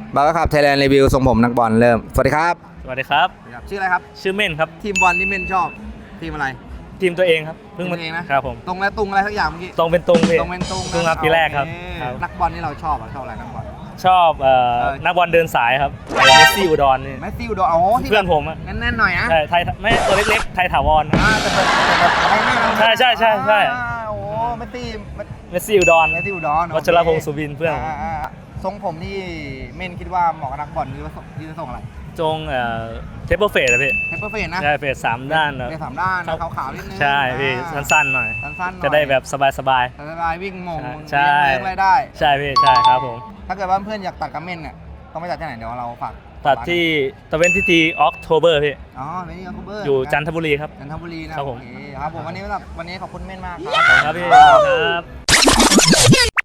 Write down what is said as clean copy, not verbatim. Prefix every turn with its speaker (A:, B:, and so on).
A: บาร์ครับไทยแลนด์รีวิวทรงผมนักบอลเริ่มสวัสดีครับ
B: สวัสดีครับ
A: ชื่ออะไรครับ
B: ชื่อเม่นครับ
A: ทีมบอลที่เม่นชอบทีมอะไร
B: ทีมตัวเองครับเพิ่งมา
A: ทีมตัวเองนะครับ
B: ผม
A: ตรงและตุงอะไรสักอย่างเมื่อกี้
B: ตรงเป็นตรงพี่
A: ตรงเป็นตุง
B: ตรงครับปีแรกครับ
A: โอเ
B: ครับ
A: นักบอลที่เราชอบชอบอะไรนักบอล
B: ชอบนักบอลเดินสายครับเมสซี่อุดรนี่
A: แมสซี่อุดรอ๋อที่
B: เพื่อนผมอะ
A: แน่นๆหน่อยนะ
B: ใช่ไทยไม่ตัวเล็กๆไทยถาวรนะ
A: แต่แบบอะไรไม่
B: ใช่ใช่ใช่ใช่
A: โอ้แมสซี่
B: เมสซี่อุดร
A: แมสซี่อุดร
B: วัชรพงศ์สุบินเพื่อนผม
A: ทรงผมที่เม่นคิดว่าเหมาะกับนักบอลหรือว่าที่จะส่งอะไร
B: จงเทปเปอร์เฟสอะพี่
A: เทปเปอร์เฟนนะ
B: ใช่เฟส3ด้านนะ
A: เป็นสามด้านนะขาวๆนิดนึง
B: ใช่พี่สั้นๆหน่อย
A: สั้นๆหน่อย
B: จะได้แบบสบาย
A: สบายวิ่งมง
B: ใช่
A: เลี้ยงอะไรได้
B: ๆใช่พี่ใช่ครับผม
A: ถ้าเกิดว่าเพื่อนอยากตัดกับเม่นเนี่ยต้องไปตัดที่ไหนเดี๋ยวเราฝาก
B: ตัดที่ตะเวนที่ทีออกโทเบอร์พี่
A: อ๋อไม่นี่ก็คูเบอร์
B: อยู่จันทบุรีครับ
A: จันทบุรีนะครับ
B: ผม
A: โอเคครับผมวันนี้ขอบคุณเม่นมาก
B: ครับพี่ครับ